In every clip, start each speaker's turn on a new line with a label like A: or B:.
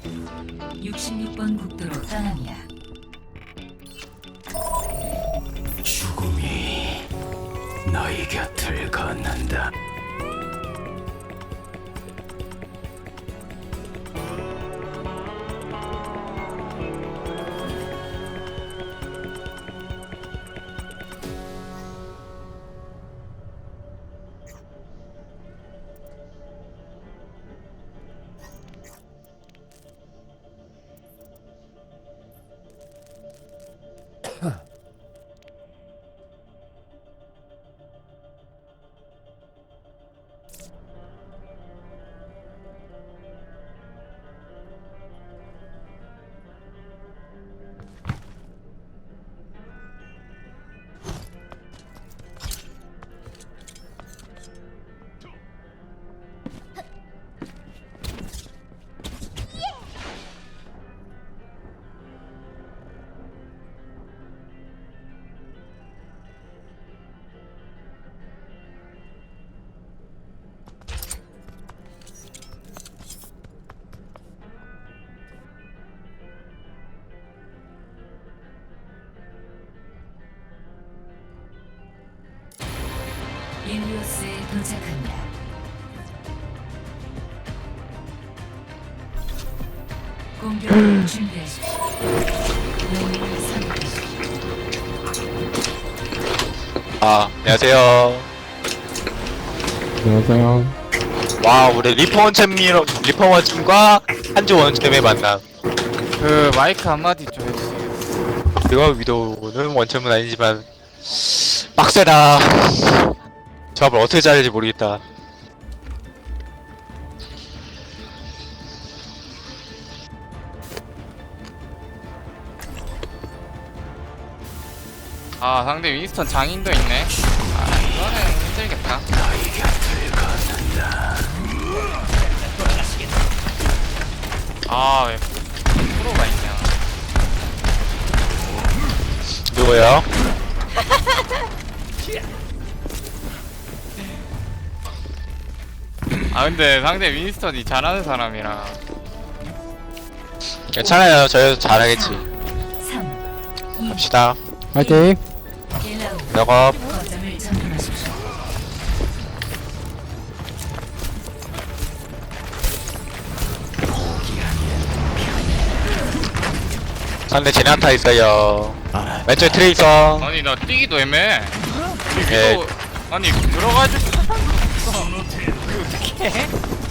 A: 66번 국도로 떠납니다.
B: 죽음이 너희 곁을 걷는다.
A: 일리오스에 도착합니다. 공격을 준비하십시오. 영웅을 선택하십시오.
C: 안녕하세요.
D: 안녕하세요.
C: 와, 우리 리퍼 원챔과 한조 원챔의 만남.
E: 그 마이크 한마디 좀 해주세요.
C: 이거 위도우는 원챔은 아니지만 빡세다. 조합을 어떻게 짜야 될지 모르겠다.
E: 아 상대 윈스턴 장인도 있네. 아 이거는 힘들겠다. 아왜 프로가 있냐.
C: 누구예요?
E: 아 근데 상대 윈스턴이 잘하는 사람이라.
C: 괜찮아요. 저희도 잘하겠지.
A: 3, 2,
C: 갑시다.
D: 화이팅!
A: 1라운드
C: 작업.
A: 거점을 점령하십시오.
C: 상대 제나타 있어요. 왼쪽에 트레이서.
E: 아니 나 뛰기도 애매해.
C: 예.
E: 이거 아니 들어가지고 어떻게?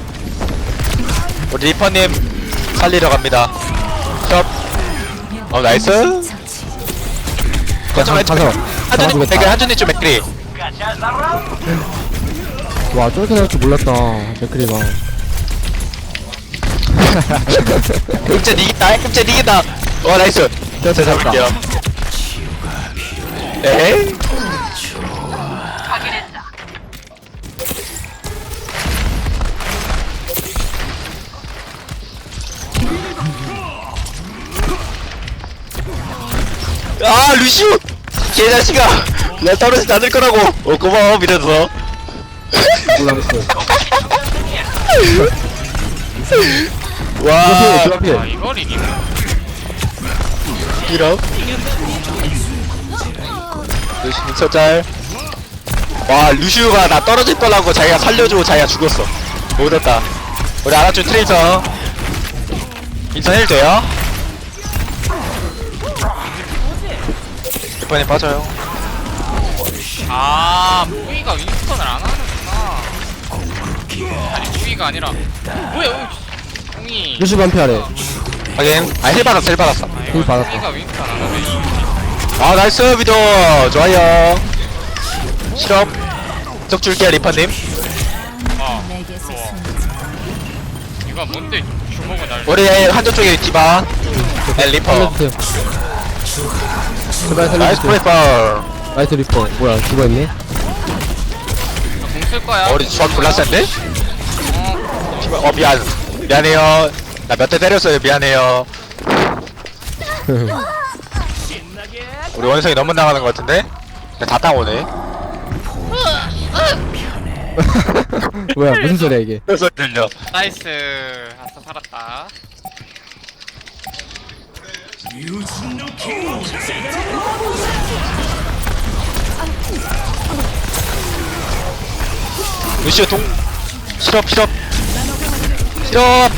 C: 우리 리퍼님 살리러 갑니다. 숍. 나이스.
A: 처치.
C: 거점 왼쪽.
D: 가서
C: 한준님
D: 잡아주겠다.
C: 맥크리, 한준님 좀 맥크리.
D: 와, 저렇게 될 줄 몰랐다. 맥크리가.
C: 금제 이긴다. 금제 이긴다. 와, 나이스.
D: 됐다,
C: 제가 잡을게요. 에이. 아, 루시우! 개자식아! 나 떨어지지 않을 거라고! 고마워, 믿어서.
D: 몰랐어.
C: 와,
D: 그 앞에.
E: 아 이걸 이기네.
C: 이러. 루시우 첫짤. 와, 루시우가 나 떨어질 거라고 자기가 살려주고 자기가 죽었어. 못했다. 우리 아라쭈 트레이서. 인선 힐 돼요? 이번에 빠져요.
E: 아 무이가 윈스턴을 안 하는구나. 아니 무이가 아니라 뭐야 웅이.
D: 루시 반피하래.
C: 확인. 힐 받았어, 힐 받았어.
D: 힐 받았다.
E: 무이가 윈스턴 안 하네.
C: 아, 나이스, 위도. 좋아요. 실업. 쪽 줄게요, 리퍼님.
A: 내게서
E: 좋아.
A: 숨지.
E: 이거 뭔데 주먹을 날.
C: 우리 한쪽 쪽에 디바. 리퍼.
D: 살려주세요. 제발
C: 나이스
D: 살려주세요.
C: 프레이퍼.
D: 나이스 리퍼. 뭐야, 죽어있네?
E: 공쓸 거야.
C: 우리 조합 졸라 센데? 미안해요. 나 몇 대 때렸어요. 미안해요. 우리 원성이 너무 나가는 것 같은데? 다 땅오네.
D: 뭐야, 무슨 소리야, 이게.
C: 그래서 들려.
E: 나이스. 아싸 살았다.
C: 루시오 동 실업 실업 실업.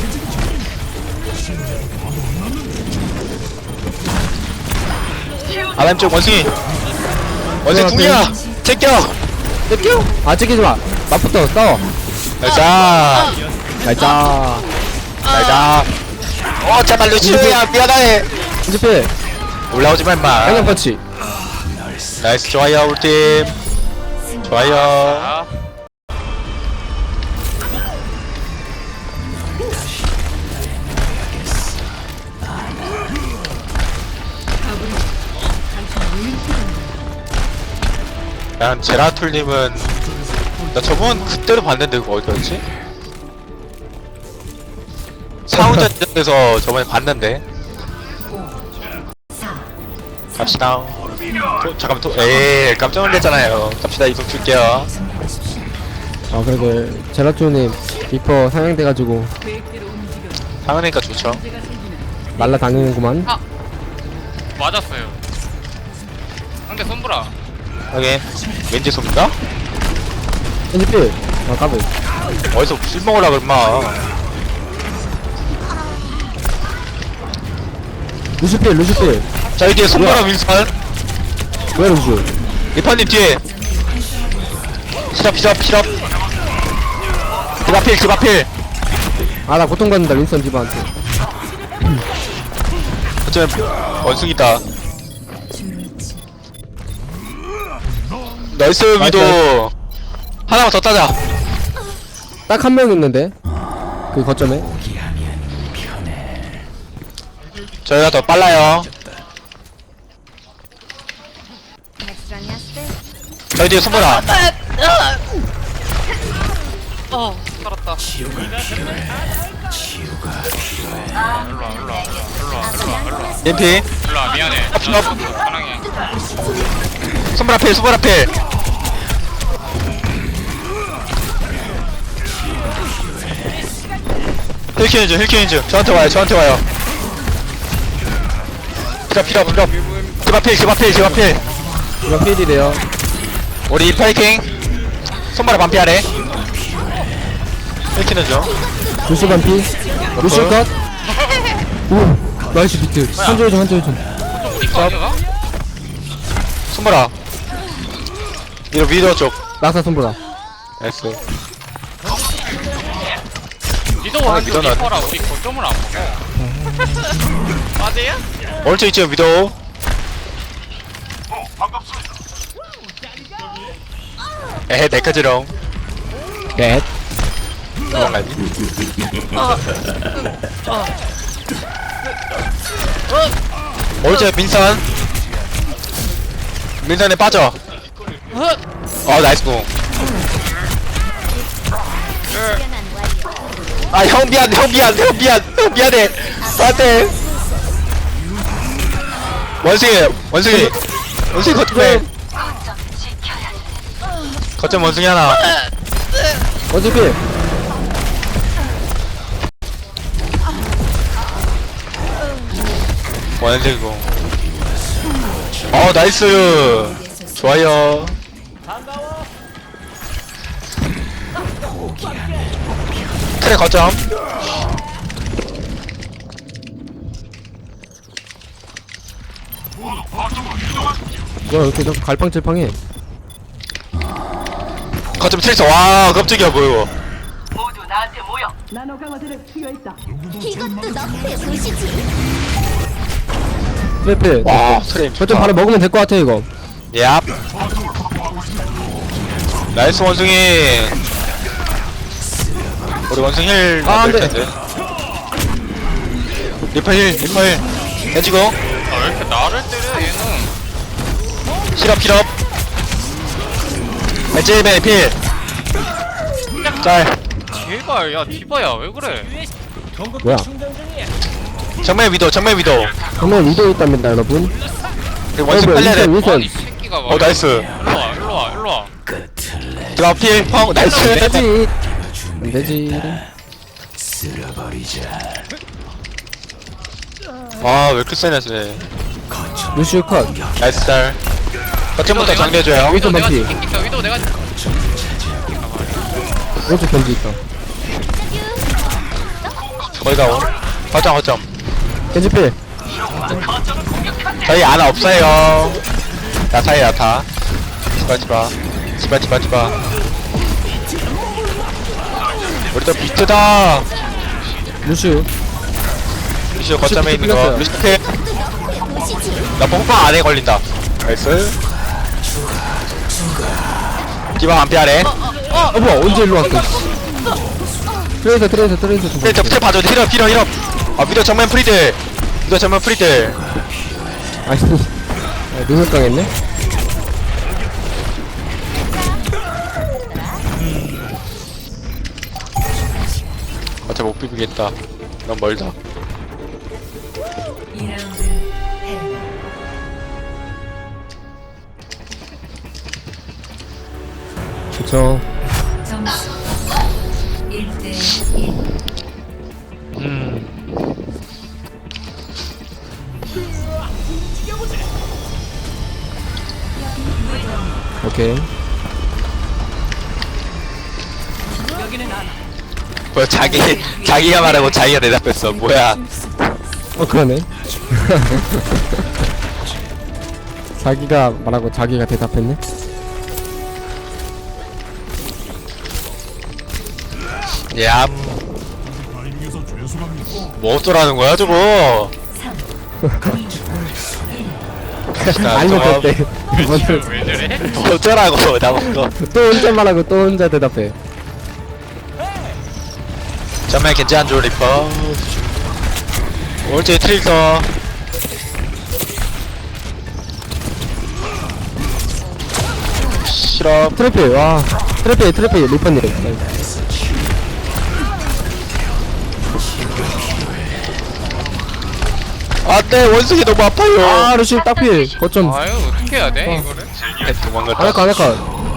C: 아람쪽 원숭이 둘이야. 제껴
D: 뺏겨? 아 찍히지 마. 맞붙어 싸워.
C: 날자
D: 날짜.
C: 날자. 제발 루시오야 미안해.
D: 이제
C: 올라오지마 임마.
D: 양념 펀치.
C: 나이스 좋아요 우리 팀 좋아요.
E: 아,
C: 난 제라툴님은 나 저번 그때로 봤는데 그거 어디였지? 사운전에서 저번에 봤는데. 갑시다. 잠깐만 에이 깜짝 놀랐잖아요. 갑시다. 이동 줄게요.
D: 아 그래도 제라토님 리퍼 상향돼가지고
C: 상은이니까 좋죠.
D: 날라다니는구만.
E: 맞았어요. 상대 손브라.
C: 하긴 왠지 쏩니까?
D: 엔지필. 아 까비.
C: 어디서 술 먹으라 그랬마.
D: 루시필.
C: 자 여기 손보라 윈선
D: 왜 루시?
C: 리퍼님 뒤에 실업 디바필
D: 아나 고통받는다 윈선 디바한테.
C: 어쩌면 원숭이다. 나이스 위도. 하나만 더 따자.
D: 딱 한 명 있는데 그 거점에.
C: 저희가 더 빨라요. 저희 뒤에 손보라.
E: 살았다. 일로와.
C: 림피
E: 일로와, 미안해. 사랑해.
C: 손보라 필. 힐키는즈 저한테 와요. 필요. 디바필.
D: 이거 필이래요.
C: 우리 파이팅. 손보라 반피하래. 힐키는즈
D: 루시 반피. 루시 컷. 오 나이스 비트. 한조회 좀.
E: 이거 아니야?
C: 손보라 위로 쪽.
D: 낙사 손보라.
C: 나이스.
E: 리더가 한쪽
C: 리더는
E: 리퍼라 우리 거점을 안 먹어. 맞아요?
C: 오른쪽 있죠 위도. 에헤 내까지롱.
D: 넷.
C: 도망가지. 오른쪽 민선에 빠져. 나이스 공. 형 미안해. 안돼. 원숭이 거점 원숭이 하나.
D: 원지필.
C: 원숭이 공. 나이스. 좋아요. 트랙 거점.
D: 야 이렇게 좀 갈팡질팡해.
C: 거점 트랙서. 와 깜짝이야 뭐야 이거.
A: 이것도 너의 도시지.
D: 트래필.
C: 와 트랙
D: 거점 바로 먹으면 될 것 같아 이거.
C: 얍. 나이스 원숭이. 우리 원숭이 힐
D: 아, 안 돼.
C: 텐데. 리퍼 힐 해지고.
E: 왜 이렇게 나를 때려 얘는.
C: 실업. 벤제이벤 필. 짤.
E: 제발 야 디바야 왜 그래?
D: 뭐야?
C: 정면 위도.
D: 정말 위도 있답니다 여러분.
C: 원숭이 빨려야 돼.
D: 윈선.
E: 이 새끼가 막.
C: 나이스.
E: 일로와.
C: 디바 필. 나이스.
D: 되지. 안 되지.
C: 아, 왜 이렇게 세네, 쟤.
D: 루시오 컷.
C: 나이스 짤. 거점부터 정리해줘요.
D: 위도
E: 내가
D: 반피.
E: 지킬게. 위도 내가 지킬게.
D: 오른쪽 견지 있다.
C: 거의 다 온. 거점.
D: 견지 필.
C: 저희 아나 없어요. 야타에 야타. 지바. 우리 또 비트다.
D: 루시오.
C: 루시오 거점에 있는 거.
D: 삐졌어요.
C: 루시오 필. 나 뽕빵 안에 걸린다. 나이스. 디바 안피 아래.
D: 뭐야 언제 일로 왔어? 트레이서 좀.
C: 트레 봐줘. 힐업. 아, 위도 정면 프리드.
D: 아이씨. 눈을 당했네.
C: 어차피 못 비비겠다. 너무 멀다.
D: 그쵸. 오케이.
C: 뭐야, 자기가 말하고 자기가 대답했어. 뭐야.
D: 그러네. 자기가 말하고 자기가 대답했네.
C: 야. 뭐 어쩌라는 거야, 저거?
D: 아니면 그때
E: 왜 저래?
C: 뭐 어쩌라고, 나본 거.
D: 또 혼자 말하고 또 혼자 대답해.
C: 정말 괜찮은 줄 리퍼. 오른쪽에 트릭서. 싫어.
D: 트래피 와. 트래피 리퍼님.
C: 안돼, 원숭이 너무 아파요.
D: 아 루시 딱필. 거점.
E: 아유 어떻게 해야 돼 이거를?
C: 도망갔다.
D: 아나카.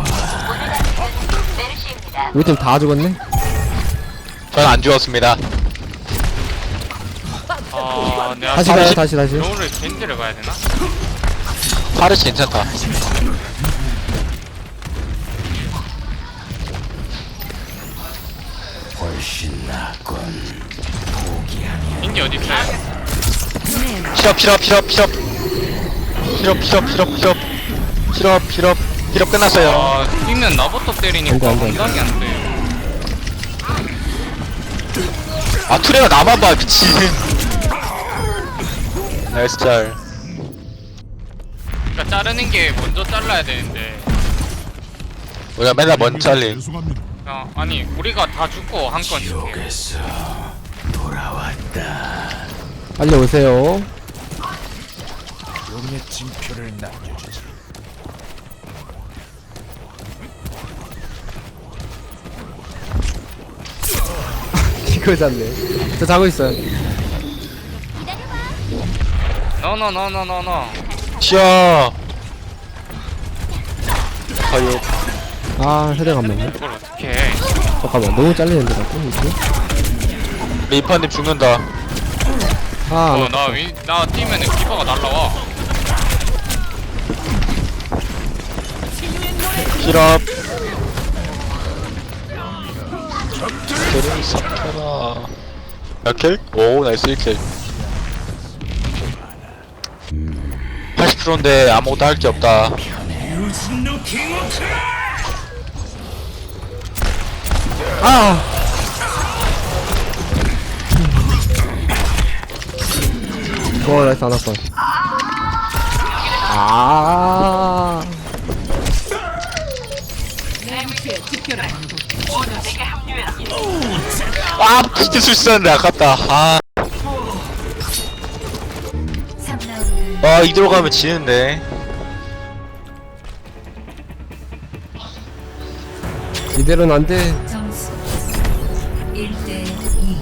D: 우리 팀 다 죽었네.
C: 전 안 죽었습니다.
E: 아 내가
D: 다시 가요 다시.
E: 겨울을 겐지를 가야 되나?
C: 파르시 괜찮다.
E: 겐지 어디 있어요?
C: 필업 끝났어요.
E: 아 뛰면 나부터 때리니까
D: 안 돼.
E: 감당이 안 돼.
C: 아, 투레가 나만 봐, 미친. 나이스 짤.
E: 그러니까 자르는 게 먼저 잘라야 되는데.
C: 우리가 맨날 먼 잘림.
E: 아니 우리가 다 죽고 한 건 줄게.
B: 여기서 돌아왔다.
D: 빨리 오세요.
B: 용의 징표를 남겨주지.
D: 이거 잡네. 저 자고 있어요.
E: 노노노노노노.
C: 쉬어. 거의
D: 아 세대가 안 맞네.
E: 이걸 어떻게 해?
D: 잠깐만 너무 잘리는데 나 또.
C: 리퍼님 죽는다.
D: 아
E: 나 뛰면은 기퍼가 날라와.
C: 필업. 적들을 삭혀라. 몇 킬? 오, 나이스 1킬. 80%인데 아무것도 할 게 없다.
D: 아. 나이스 안 왔어. 아.
C: 아, 진짜 술수였는데 아깝다. 이대로 가면 지는데.
D: 이대로는 안 돼.
F: 점수 1대 2.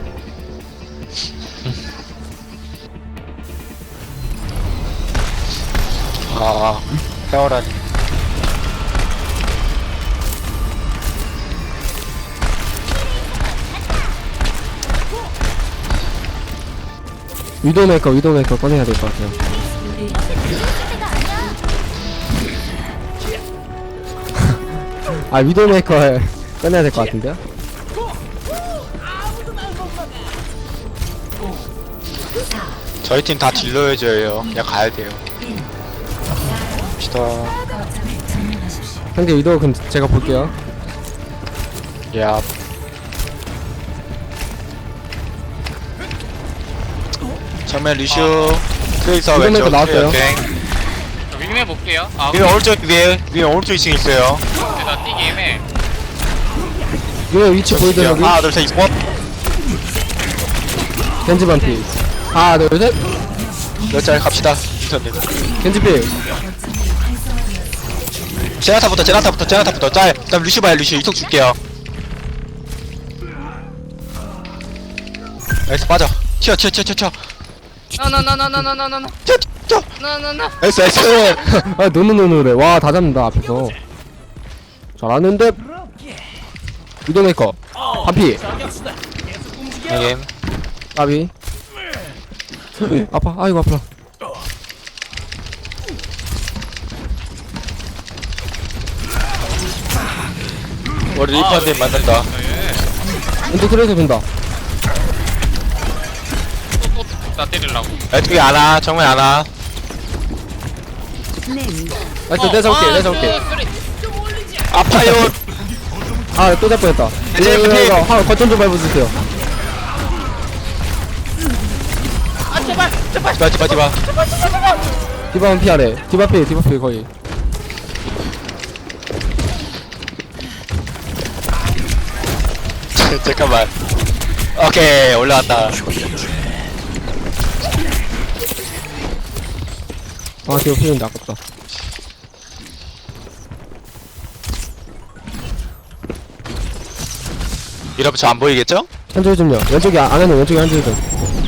C: 태워라니.
D: 위도메이커 꺼내야 될 것 같아요. 아 위도메이커 꺼내야 될 것 같은데요?
C: 저희 팀 다 딜러해줘요. 그냥 가야 돼요. 갑시다.
D: 상대 위도 그럼 제가 볼게요.
C: 야. 정면 루시오 트레이서
D: 이번에도
C: 왼쪽
D: 나왔어요.
C: 땡.
E: 윙해 볼게요. 아
C: 위에 오른쪽 위에 오른쪽 2층 있어요.
E: 나 뛰기 애매.
D: 위도 위치 보이죠 여기?
C: 하나 둘셋 원.
D: 겐지 반피. 하나 둘셋.
C: 몇짤 갑시다. 인선님.
D: 겐지 필.
C: 제나타부터 짤. 그다음 루시오 봐요. 루시오 이속 줄게요. 나이스 빠져. 튀어.
E: 나나나나나나나나.
C: 튀어.
E: 나나나.
C: 나이스.
D: 아 노노노노래. 와 다 잡는다 앞에서. 잘하는데. 위도메이커. 반피.
C: 여긴.
D: 까비. 아파. 아이고 아파.
C: 우리 리퍼님 만난다.
D: 왼쪽 트레이서 본다.
E: 나 때리려고.
C: 왼쪽에 안와. 정면 안와.
D: 나이스 내가 잡을게.
C: 아파요.
D: 아 또 잡고 했다.
C: 이제 필.
D: 이거 거점 좀 밟아주세요.
C: 디바.
D: 디바는 피하래. 디바 필 거의.
C: 잠깐만. 오케이 올라왔다.
D: 아 디바 필인데 아깝다.
C: 여러분 저 안 보이겠죠?
D: 한줄 좀요. 왼쪽에 안에는 왼쪽에 한줄 좀.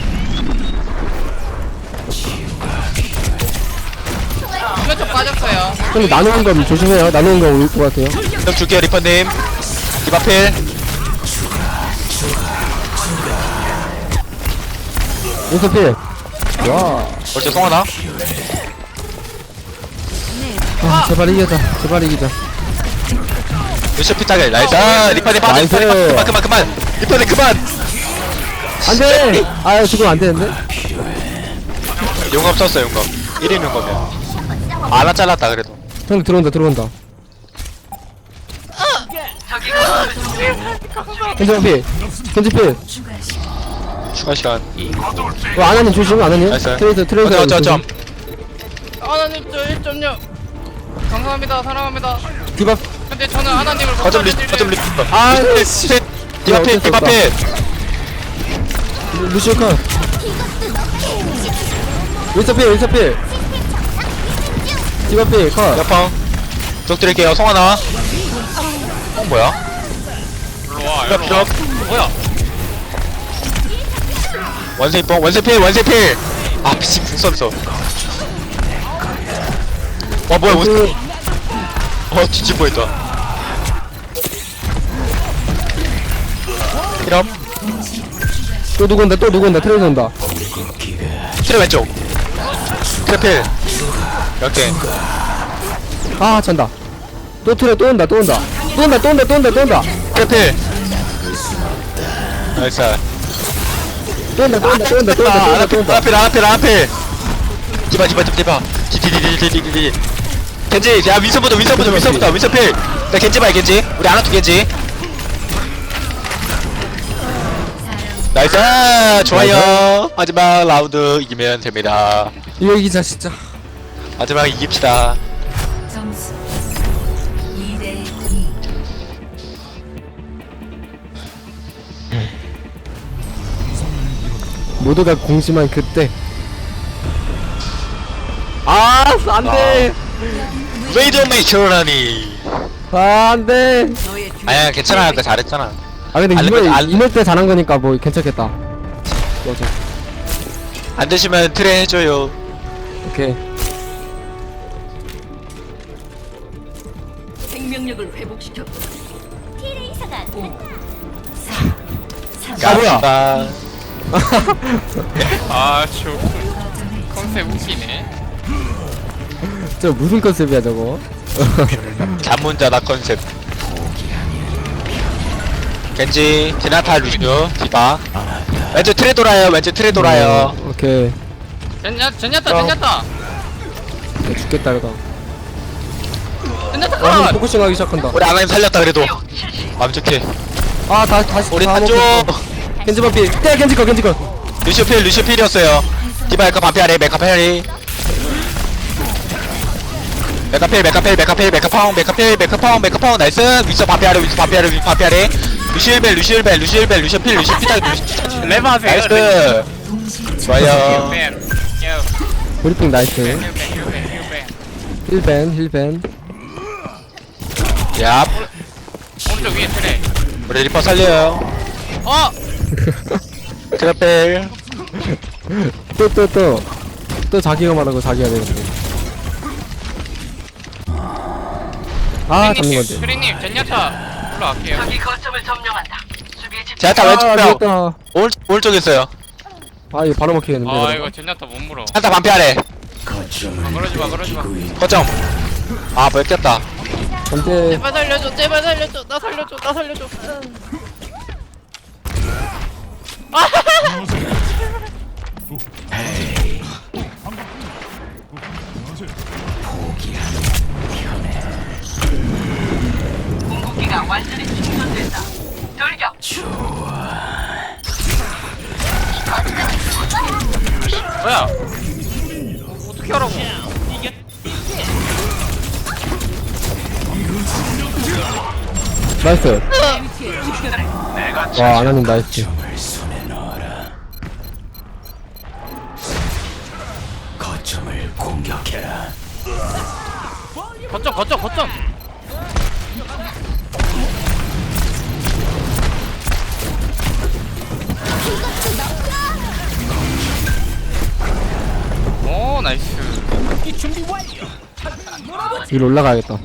E: 이쪽 빠졌어요.
D: 근데 나누는 거 조심해요. 나누는 거 올 것 같아요.
C: 좀 줄게요 리퍼님. 디바필.
D: 왼쪽 필. 와.
C: 벌써 송하나?
D: 아 제발 이기자.
C: 루시오 피타게 나이스. 리퍼님 빠져.
D: 나이스.
C: 그만. 리퍼님 그만.
D: 안돼. 아 지금 안 되는데.
C: 용검 썼어 용검. 1인 용검이야. 하나 잘랐다 그래도.
D: 형 들어온다. 겐지 필.
C: 추가 시간.
D: 안하님 조심. 안하님.
C: 나이스.
D: 트레이서.
C: 어쩜.
E: 하나님 저 1.6. 감사합니다. 사랑합니다.
D: 디바.
E: 근데 저는 하나님을 못
C: 어쩜
E: 받아들이는
C: 리퍼.
D: 아,
C: 디바필.
D: 루시오 컷. 윈서 필. 디바 필 컷.
C: 옆방. 쪽 드릴게요 송하나. 뭐야?
E: 일로 와. 뭐야?
C: 원세필. 아 미친 궁 썼어. 와 뭐야
D: 그,
C: 뒤집어 했다. 이럼
D: 또 누구 온다. 트레이서 온다.
C: 트레 왼쪽. 트레필. 이렇게.
D: 아 잔다. 또 트레 또 온다.
C: 트레필. 나이스.
D: 또 온다.
C: 아나필. 디바. 디디디디디디. 겐지, 야 윈서부터. 윈서필. 나 겐지 봐요 겐지. 우리 아나투 겐지. 나이스. 좋아요. 마지막 라운드 이기면 됩니다.
D: 이거 이기자 진짜.
C: 마지막 이깁시다.
F: 점수 2대2.
D: 모두가 공심한 그때. 안돼.
C: 웨이드메이커라니.
D: 안돼.
C: 아야 괜찮아. 아까 잘했잖아.
D: 아 근데
C: 알리면
D: 이럴 때 잘한 거니까 뭐 괜찮겠다. 맞아.
C: 안 되시면 트레 해줘요.
D: 오케이.
A: 생명력을 회복시켜. 티레이서가
F: 5 4 3
D: 아, 뭐야?
C: 갑시다.
E: 아저 컨셉 웃기네.
D: 저 무슨 컨셉이야 저거?
C: 잠문자다 컨셉. 겐지, 제나타, 루시오, 디바. 왼쪽 트레 돌아요. 왼쪽 트레 돌아요.
D: 오케이.
E: 젠야타
D: 야, 죽겠다 이러다.
E: 젠야타
D: 아,
E: 컷.
D: 포커싱하기 시작한다.
C: 우리 아나님 살렸다 그래도. 마음 좋게.
D: 아, 다시.
C: 우리
D: 다
C: 한조.
D: 먹혔어. 겐지 반피. 때 겐지 거.
C: 루시오 필이었어요. 디바 메카 반피하래. 메카 파리. 메카파운 나이스. 위쳐 반피하래. 루시오 필
E: 레버 하세요.
C: 나이스. 좋아요.
D: 브리핑 나이스. 힐벤.
C: 얍.
E: 오른쪽 위에 트레.
C: 우리 리퍼 살려요.
E: 어.
C: 트래필.
D: 또 자기가 말하고 자기가 되는데. 아, 잡는 건데.
E: 트레님 젠야타 올라갈게요.
C: 제나타
D: 아,
C: 왼쪽 벽.
D: 죽겠다.
C: 오른쪽에 있어요.
D: 아, 이거 바로 먹히겠는데.
E: 아
D: 이러다가.
E: 이거 젠야타 못 물어.
C: 제나타 반피하래.
E: 그러지 마.
C: 거점. 아, 뺏겼다.
D: 근데
E: 제발 살려줘. 나 살려줘. 뭐야? 어떻게 하라고?
D: 나이스. 와, 아나님 나이스.
E: 거점. 오 나이스.
D: 위로 올라가야겠다.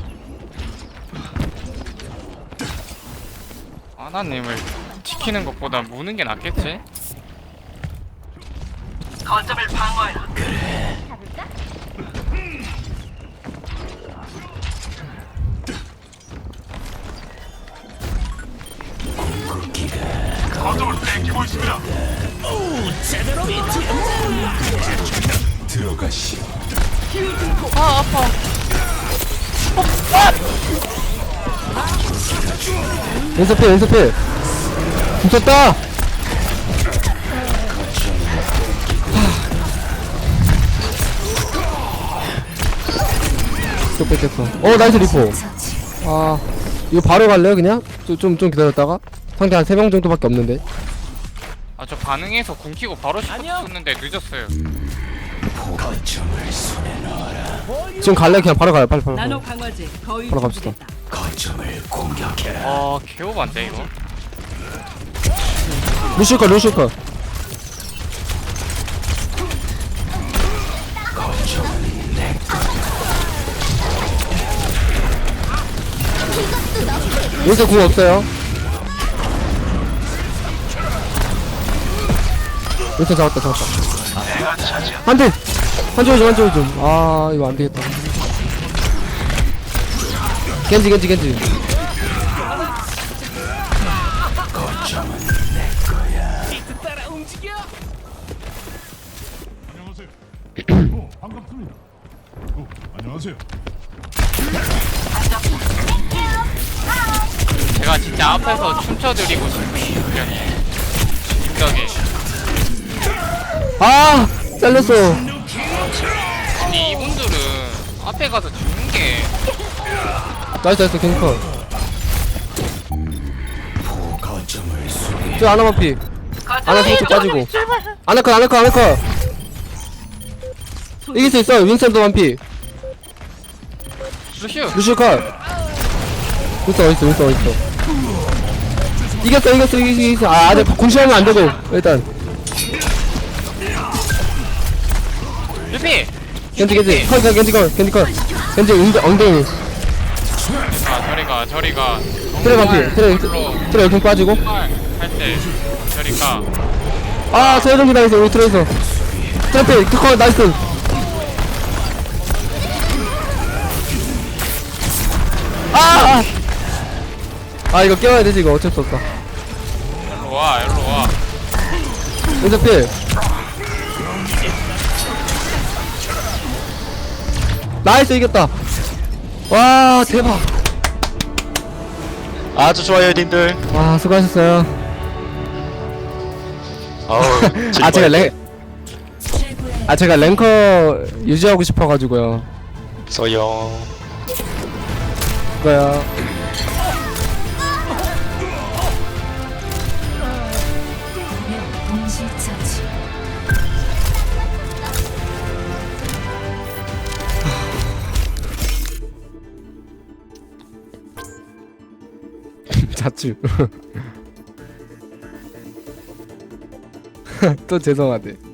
E: 아나님을 지키는 것보다 무는 게 낫겠지?
D: 왼손필. 미쳤다. 또 뺏겼어. 나이스 리포. 아, 이거 바로 갈래요 그냥? 좀 기다렸다가? 상대 한 3명 정도밖에 없는데.
E: 아 저 반응해서 궁 키고 바로 씹었는데 늦었어요.
D: 지금 갈래? 그냥 바로 가요. 빨리.
G: 나노 강화제 거의
D: 바로 갑시다.
G: 준비됐다.
E: 아 개오반데 이거.
D: 루시오 컷. 여기서 궁 없어요. 여기서 잡았다. 한대 좀. 아, 이거 안 되겠다. 겐지.
H: 안녕하세요.
E: 제가 진짜 앞에서 춤춰드리고 싶은 심정이.
D: 아, 잘렸어.
E: 아니 이분들은 앞에 가서 죽는 게
D: 나이스, 갱커. 저 아나만 피. 아나 살짝 빠지고. 아나컷. 이길 수 있어. 윈스턴도 완피. 루시오 컷. 윈스턴 어딨어. 이겼어. 아, 아직 공시하면 안 되고. 일단.
E: 루피.
D: 겐지 컷. 겐지 엉덩이.
E: 아 저리가.
D: 트레 반피. 트레 이렇게 빠지고.
E: 할때 저리가.
D: 아 재정비 나이스. 우리 트레이서 트래필 특허 나이스. 아 이거 깨워야 되지. 이거 어쩔 수 없다.
E: 일로 와 일로 와.
D: 왼쪽필 나이스. 이겼다. 와 대박.
C: 아주 좋아요 님들.
D: 와 수고하셨어요.
C: 어우
D: 아 제가
F: 최고의
D: 제가 랭커 유지하고 싶어가지고요.
C: 써요.
D: 그거야.
F: 동시 처치.
D: 자추. 또 죄송하대.